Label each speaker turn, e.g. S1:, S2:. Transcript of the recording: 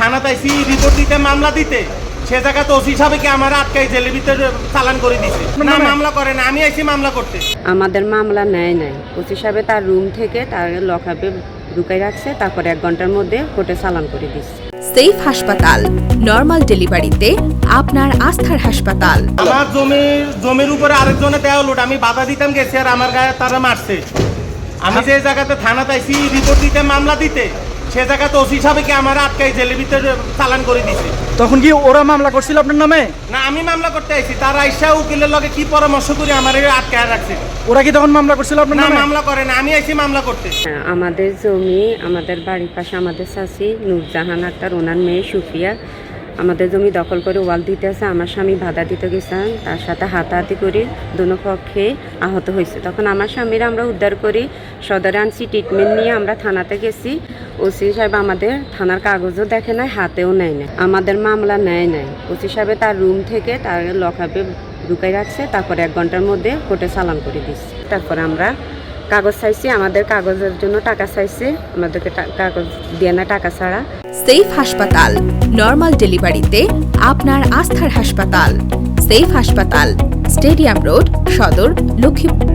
S1: থানাতে আইছি রিপোর্ট দিতে, মামলা দিতে, সে জায়গাতে ওসি সাহেবকে আমার আটকাই জেলের ভিতরে চালান করে দিছে। না, মামলা করে না, আমি আইছি মামলা করতে।
S2: আমাদের মামলা নেয় নাই। ওসি সাহেব তার রুম থেকে তার লকআপে ঢুকাই রাখছে, তারপরে 1 ঘন্টার মধ্যে কোর্টে চালান করে দিচ্ছে।
S3: সেফ হাসপাতাল, নরমাল ডেলিভারিতে আপনার আস্থার হাসপাতাল।
S1: আমার জমির উপরে আরেকজনে দেওয়া লোড, আমি বাধা দিতাম গেছি আর আমার গায়ে তারা মারছে। আমি যে জায়গাতে থানাতে আইছি রিপোর্ট দিতে, মামলা দিতে, সে জায়গাতে ওসি সাহেবকে আমার আটকাই জেলের ভিতরে চালান করে দিছে।
S4: তখন কি ওরা মামলা করছিল আপনার নামে?
S1: না, আমি মামলা করতে আইছি, তারা আইসা উকিলের লগে কি পরামর্শ করে আমার আটকায় রাখছে।
S4: ওরা কি তখন মামলা করছিল আপনার
S1: না,
S4: নামে?
S1: মামলা করে না, আমি আইছি মামলা করতে।
S2: আমাদের জমি, আমাদের বাড়ির পাশে আমাদের চাচি নূরজাহান আক্তার, ওনার মেয়ে সুফিয়া আমাদের জমি দখল করে ওয়াল দিতে আছে। আমার স্বামী বাধা দিতে গেছেন, তার সাথে হাতাহাতি করে দোনো পক্ষে আহত হয়েছে। তখন আমার স্বামীরা আমরা উদ্ধার করি, সদরে আনছি, ট্রিটমেন্ট নিয়ে আমরা থানাতে গেছি। ওসি সাহেব আমাদের থানার কাগজও দেখে নাই, হাতেও নেয় নাই, আমাদের মামলা নেয় নাই। ওসি সাহেব তার রুম থেকে তার লকআপে ঢুকাই রাখছে, তারপরে 1 ঘন্টার মধ্যে কোর্টে চালান করে দিচ্ছে। তারপরে আমরা কাগজ চাইছি, আমাদের কাগজের জন্য টাকা চাইছে, আমাদেরকে কাগজ দিয়ে না, টাকা ছাড়া।
S3: সেফ হাসপাতাল, নরমাল ডেলিভারিতে আপনার আস্থার হাসপাতাল। সেফ হাসপাতাল, স্টেডিয়াম রোড, সদর, লক্ষ্মীপুর।